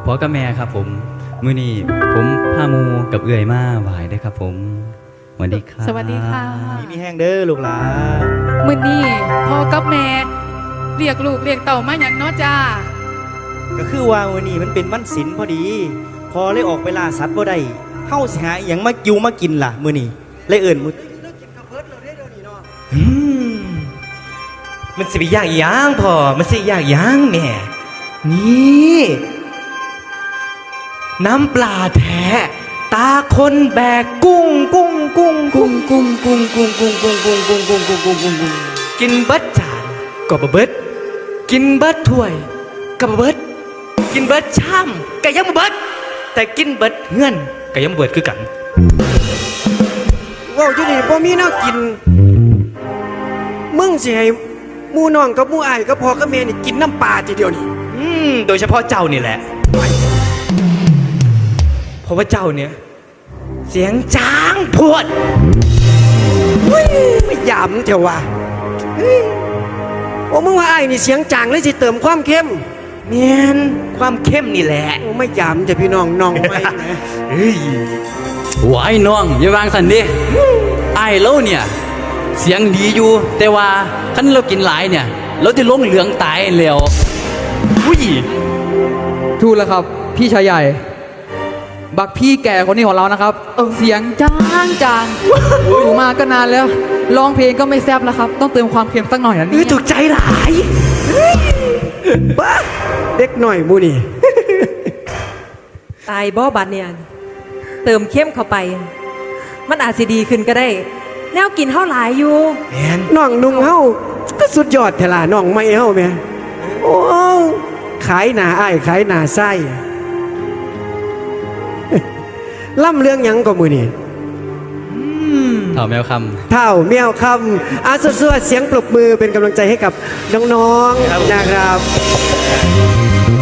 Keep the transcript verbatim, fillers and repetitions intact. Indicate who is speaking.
Speaker 1: พ่อกับแม่ครับผมมื้อนี้ผมพาหมูกับเอื่อยมาไหว้เด้อครับผมสวัสดีครับ
Speaker 2: สวัสดีค่ะ
Speaker 3: มีมีแห้งเด้อลูกหลาน
Speaker 2: มื้อนี้พ่อกับแม่เรียกลูกเรียกเต่ามาหยังเนาะจ้า
Speaker 3: ก็คือว่าวันนี้มันเป็นวันศีลพอดี พอเลยออกไปล่าสัตว์บ่ได้เฮาสิหาอหยังมาอยู่มากินล่ะมื้อนี้เลยเอิ้นมุ
Speaker 4: อืมมันสิไปยากอีหยังพ่อมันสิยากอีหยังแม่นี่น้ำปลาแท้ตาคนแบกกุ้งกุ้งกุ้งกุ้งกุ้งกุ้งกุ้งกุ้งกุ้งกุ้งกุ้งกุ้งกุ้งกุ้งกุ้งกุ้งกินเบิดจานก็บ่เบิดกินเบิดถ้วยก็บ่เบิดกินเบิดชามก็ยังบ่เบิดแต่กินเบิดเฮือนก็ยังบ่เบิดคือกัน
Speaker 5: ว้าวอยู่นี่บ่มีแนวกินมึงสิให้หมู่น้องกับหมู่อ้ายกับพ่อกับแม่นี่กินน้ำปลาทีเดียวนี่
Speaker 4: อืมโดยเฉพาะเจ้านี่แหละเพราะว่าเจ้าเนี่ยเสียงจางพวด
Speaker 5: ไม่ยามเถอะวะเฮ้ยโอ้มึงว่าอ้ายนี่เสียงจางเลยสิเติมความเข้ม
Speaker 4: เนียนความเข้มนี่แหละ
Speaker 5: โอ้ไม่ยามจะพี่น้องน้องไม่นะ
Speaker 4: เฮ้ย
Speaker 1: ไหว้น้องอย่าวางสันดิไอ้ายเราเนี่ยเสียงดีอยู่แต่ว่าคันเรากินหลายเนี่ยเราจะลงเหลืองตายแล้ว
Speaker 4: อุ้ย
Speaker 6: ถูกแล้วครับพี่ชายใหญ่ บักพี่แก่คนนี้ของเรานะครับเสียงจางจางอยู่มาก็นานแล้วร้องเพลงก็ไม่แซ่บแล้วครับ ต้องเติมความเค็มสักหน่อยนะ
Speaker 4: นี่
Speaker 6: นี่
Speaker 4: ถูกใจหลาย
Speaker 5: บ้าเด็กหน่อยหมู่นี่
Speaker 7: ตายบ่บัดเนี่ยเติมเข้มเข้าไป มันอาจสิดีขึ้นก็ได้ แนวกินเท่าหลายอยู่
Speaker 4: แมน
Speaker 5: น้องนุ่งเฮาก็สุดยอดเถล่ะน้องไม่เฮาแม่โอ้ขายหน้าอ้ายขายหน้าไส้ ล่ำเรื่องหยังก็มือนี่
Speaker 1: เถ่าแมวค
Speaker 5: เท่าเมียวคำอาสุดๆเสียงปรบมือเป็นกำลังใจให้กับน้องๆนะครับ